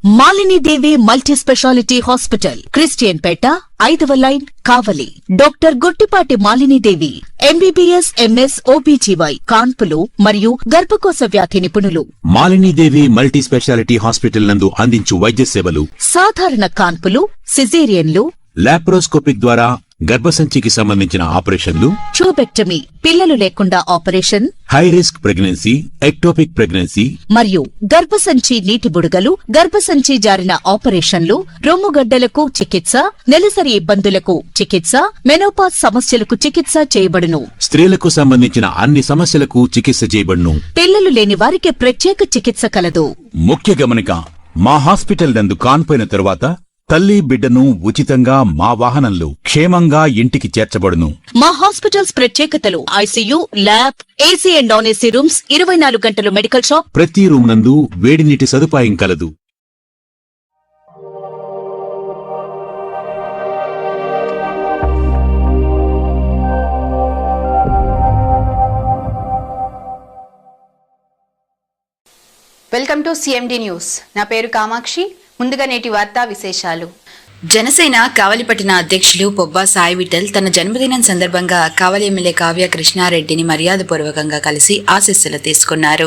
Malini Devi multi speciality hospital, Christian Peta, 5వ line, Kavali. Doctor Guttipati Malinidevi, MBBS, MS, OBGY, కాన్పులు మరియు గర్భకోశ వ్యాధి నిపుణులు. మాలినీదేవి మల్టీ స్పెషాలిటీ హాస్పిటల్ నందు అందించు వైద్య సేవలు: సాధారణ కాన్పులు, సిజేరియన్లు, లాప్రోస్కోపిక్ ద్వారా గర్భసంచికి సంబంధించిన ఆపరేషన్లు, ట్యూబెక్టమీ, పిల్లలు లేకుండా operation, high risk pregnancy, ectopic pregnancy మరియు గర్భసంచి నీటి బుడగలు, గర్భసంచి జారిన ఆపరేషన్లు, రొమ్ముగడ్డలకు చికిత్స, నెలసరి ఇబ్బందులకు చికిత్స, మెనోపాజ్ సమస్యలకు చికిత్స చేయబడును. స్త్రీలకు సంబంధించిన అన్ని సమస్యలకు చికిత్స చేయబడును. పిల్లలు లేని వారికి ప్రత్యేక చికిత్స కలదు. ముఖ్య గమనిక: మా హాస్పిటల్ నందు కాన్పోయిన తరువాత తల్లి బిడ్డను ఉచితంగా మా వాహనంలో క్షేమంగా ఇంటికి చేర్చబడును. మా హాస్పిటల్స్ ప్రత్యేకతలు: ICU, lab, AC and non AC rooms, 24 గంటలు మెడికల్ షాప్, ప్రతి రూమ్ నందు వేడి నీటి సదుపాయం కలదు. Welcome to CMD news. నా పేరు కామాక్షి. ముందుగా నేటి వార్తా విశేషాలు. జనసేన కావలిపట్టిన అధ్యక్షులు పొబ్బా సాయి విఠల్ తన జన్మదినం సందర్భంగా కావలి ఎమ్మెల్యే కావ్య కృష్ణారెడ్డిని మర్యాదపూర్వకంగా కలిసి ఆశీస్సులు తీసుకున్నారు.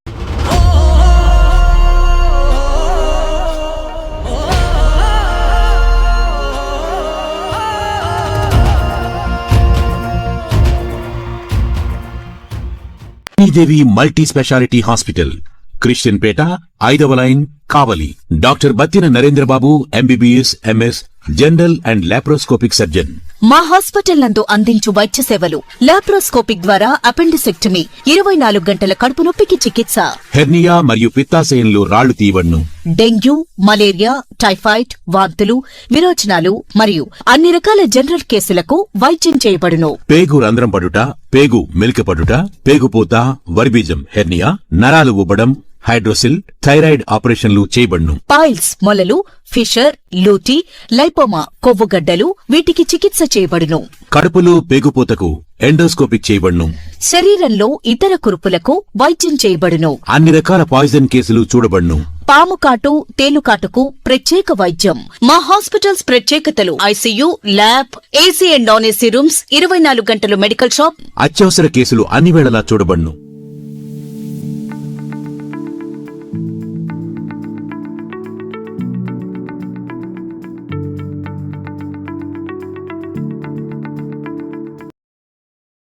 Malinidevi multi speciality hospital, Christian Peta, 5వ line, Kavali. Doctor Battina Narendrababu, MBBS, MS, general and laparoscopic surgeon. మా హాస్పిటల్ నందు అందించు వైద్య సేవలు: లాప్రోస్కోపిక్ ద్వారా అపెండిసెక్టమీ, 24 గంటల కడుపు నొప్పికి చికిత్స, హెర్నియా మరియు పిత్తాశయంలో రాళ్లు తీయబడును. డెంగ్యూ, మలేరియా, టైఫాయిడ్, వాంతులు, విరోచనాలు మరియు అన్ని రకాల జనరల్ కేసులకు వైద్యం చేయబడును. పేగు రంధ్రం పడుట, పేగు మెలికపడుట, పేగుపూత, వర్బీజం, హెర్నియా, నరాలు ఉబ్బడం, హైడ్రోసిల్, థైరాయిడ్ ఆపరేషన్లు చేయబడును. పైల్స్, మొలలు, ఫిషర్, లూటీ, లైపోమా, కొవ్వుగడ్డలు, వీటికి చికిత్స చేయబడును. కడుపులో పేగుపూతకు ఎండోస్కోపిక్ చేయబడును. శరీరంలో ఇతర కురుపులకు వైద్యం చేయబడును. అన్ని రకాల పాయిజన్ కేసులు చూడబడును. పాము కాటు, తేలుకాటుకు ప్రత్యేక వైద్యం. మా హాస్పిటల్స్ ప్రత్యేకతలు: ICU, lab, AC and non AC rooms, 24 గంటలు మెడికల్ షాప్, అత్యవసర కేసులు అన్ని వేళలా చూడబడును.